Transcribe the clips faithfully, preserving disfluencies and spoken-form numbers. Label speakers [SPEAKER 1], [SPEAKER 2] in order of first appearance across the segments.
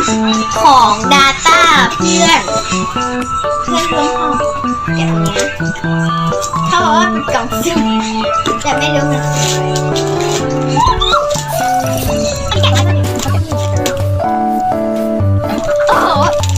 [SPEAKER 1] ของ Data เพื่อนเพื่อนร่วมห้องแบบเนี้ยเขาบอกว่าเป็นกล่องสุ่มแต่ไม่รู้มันคืออะไรโอ้โห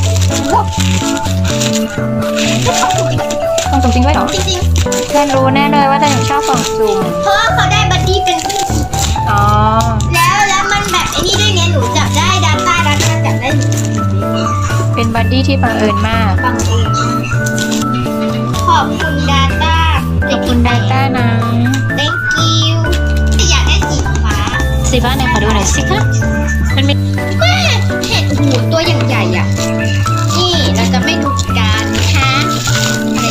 [SPEAKER 2] กล่องสุ่มจริงด้วยเหรอ
[SPEAKER 1] จริง
[SPEAKER 2] เพื่อนรู้แน่เลยว่าจะชอบกล่องสุ่ม
[SPEAKER 1] ๆเพราะว่าเขาได้บัดดี้เป็น
[SPEAKER 2] อ๋อ
[SPEAKER 1] แล้วแล้วมันแบบไอ้นี่ด้วยไงหนูจับได้ Data Data จับได้หนู
[SPEAKER 2] เป็นบัดดี้ที่บังเอิญมาก
[SPEAKER 1] ฟังเองขอบคุณ Data
[SPEAKER 2] ขอบคุณไดต้านะ
[SPEAKER 1] thank you อยากได้สีฟ้า
[SPEAKER 2] สีฟ้าไหนขอดูหน่อยสิคะมันมี
[SPEAKER 1] แม่เห็ดหูตัวอย่างใหญ่อ่ะ นี่เราจะไม่ดูการนะคะอะไร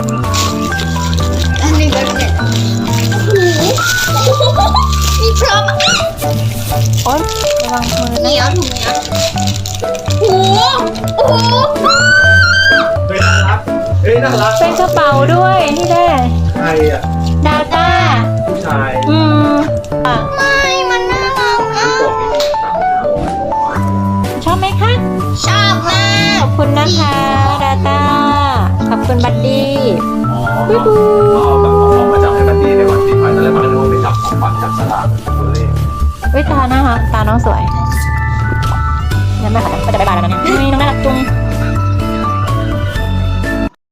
[SPEAKER 1] อันหนึ่งแล้วเนี่ยหูมีพร้อม
[SPEAKER 2] โอ๊ยระวังมือ
[SPEAKER 1] เหนี
[SPEAKER 2] นะ
[SPEAKER 1] ยวถุงเหนียวหูโอ้โห
[SPEAKER 3] เฮ้ยน่ารักเฮ้ยน่ารัก
[SPEAKER 2] เป็นกระเป๋าด้วยนี่แน่
[SPEAKER 3] ใครอ่ะ
[SPEAKER 2] ดาต้า
[SPEAKER 3] ผู้ชาย
[SPEAKER 2] อืมอ่ะ
[SPEAKER 1] ไม่มันน่ารักอ่ะ
[SPEAKER 3] กล่องนี้สามห้าร้อย
[SPEAKER 2] ชอบไหมคะ
[SPEAKER 1] ชอบมา
[SPEAKER 2] ข
[SPEAKER 1] ก
[SPEAKER 2] อบคุณนะคะดาต้าขอบคุณบัดดี้
[SPEAKER 3] อ๋อเอาแบบเอาของมาจับให้บัดดี้ในวันปีใหม่ตอนแรกมันก็นึกว่าไปจับของขวัญจับสลากตัวเลข
[SPEAKER 2] วิตานะคะตาน้องสวยยังไม่ค่ะก็จะบายบายแล้วนะเนี่ยนี่น้องน่ารักจุง